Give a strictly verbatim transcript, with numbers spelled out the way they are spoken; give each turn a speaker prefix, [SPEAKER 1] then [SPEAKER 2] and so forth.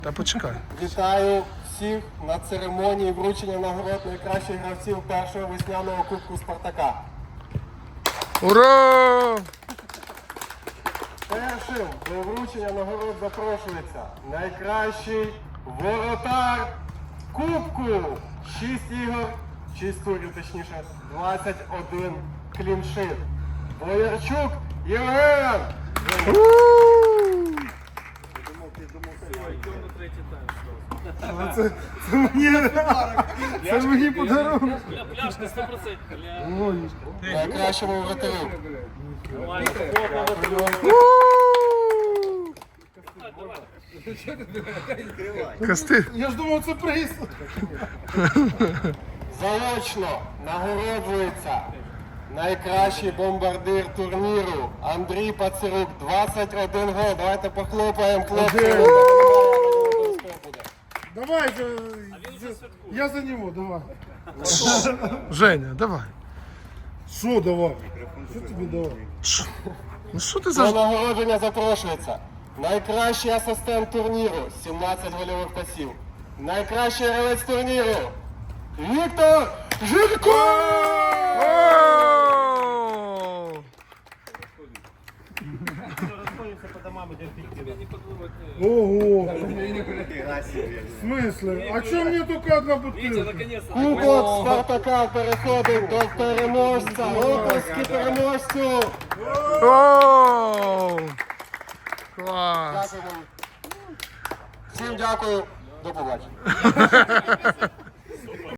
[SPEAKER 1] Та почекай.
[SPEAKER 2] Вітаю всіх на церемонії вручення нагород найкращих гравців першого весняного кубку Спартака.
[SPEAKER 1] Ура!
[SPEAKER 2] Першим до вручення нагород запрошується найкращий воротар кубку. шість ігор, шість турів, точніше, двадцять один кліншит. Боярчук Євген!
[SPEAKER 1] Це, це мені, це мені подарунок.
[SPEAKER 3] Пляшка сто процентів.
[SPEAKER 2] Найкращому воротарю.
[SPEAKER 1] Кости.
[SPEAKER 4] Я ж думав, це приз.
[SPEAKER 2] Заочно нагороджується найкращий бомбардир турніру Андрій Пацерук, двадцять один гол. Давайте похлопаємо, хлопці.
[SPEAKER 4] Давай, за... я за нього, давай.
[SPEAKER 1] Женя, давай.
[SPEAKER 4] Що давай? Що тобі давай?
[SPEAKER 1] Ну що ти
[SPEAKER 2] До
[SPEAKER 1] за...
[SPEAKER 2] нагородження запрошується найкращий асистент турніру, сімнадцять гольових пасів. Найкращий гравець турніру Віктор Жирко!
[SPEAKER 4] Ого. В смысле? А чому мені тільки одна бутилка?
[SPEAKER 2] Кубок Спартака переходить до переможця. Оплески переможцю!
[SPEAKER 1] Оу! Клас!
[SPEAKER 2] Дякую. Всім дякую. До побачення.